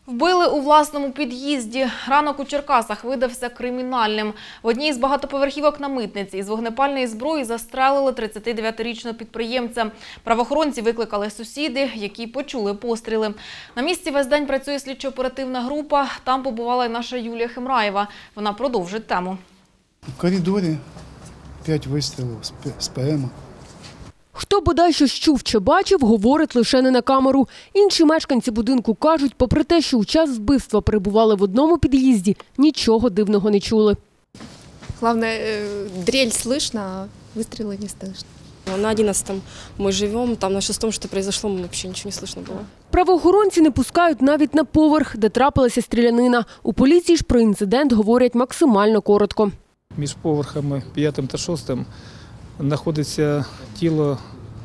Вбили у власному під'їзді. Ранок у Черкасах видався кримінальним. В одній з багатоповерхівок на Митниці із вогнепальної зброї застрелили 39-річного підприємця. Правоохоронці викликали сусіди, які почули постріли. На місці весь день працює слідчо-оперативна група. Там побувала і наша Юлія Хемраєва. Вона продовжить тему. В коридорі 5 вистрілів з ПМ. Хто бодай щось чув чи бачив, говорить лише не на камеру. Інші мешканці будинку кажуть, попри те, що у час вбивства перебували в одному під'їзді, нічого дивного не чули. Главное, дрель слышно, а выстрелы не слышно. На 11-м мы живем, там на 6-м что произошло, вообще ничего не слышно было. Правоохоронці не пускають навіть на поверх, де трапилася стрілянина. У поліції ж про інцидент говорять максимально коротко. Між поверхами 5 та 6 знаходиться тіло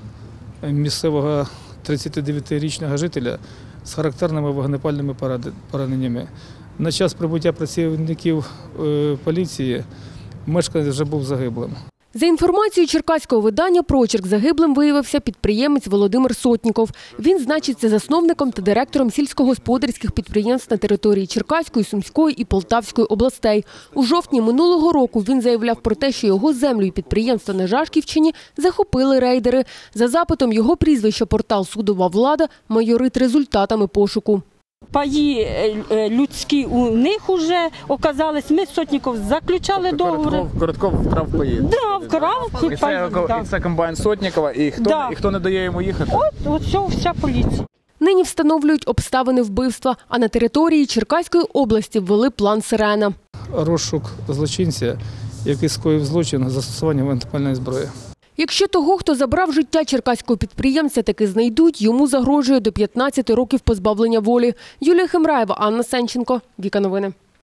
місцевого 39-річного жителя з характерними вогнепальними пораненнями. На час прибуття працівників поліції мешканець вже був загиблим. За інформацією черкаського видання «Прочерк», загиблим виявився підприємець Володимир Сотніков. Він значиться засновником та директором сільськогосподарських підприємств на території Черкаської, Сумської і Полтавської областей. У жовтні минулого року він заявляв про те, що його землю і підприємства на Жашківщині захопили рейдери. За запитом його прізвища портал «Судова влада» майорить результатами пошуку. Паї людські у них вже оказались. Ми з Сотніков заключали договори. Коротков вкрав паї? Да, вкрав ці паї. І це комбайн Сотнікова. І хто не дає йому їхати? От вся поліція. Нині встановлюють обставини вбивства, а на території Черкаської області ввели план «Сирена». Розшук злочинця, який скоїв злочин застосуванням вогнепальної зброї. Якщо того, хто забрав життя черкаського підприємця, таки знайдуть, йому загрожує до 15 років позбавлення волі. Юлія Хемраєва, Анна Сенченко, Віка Новини.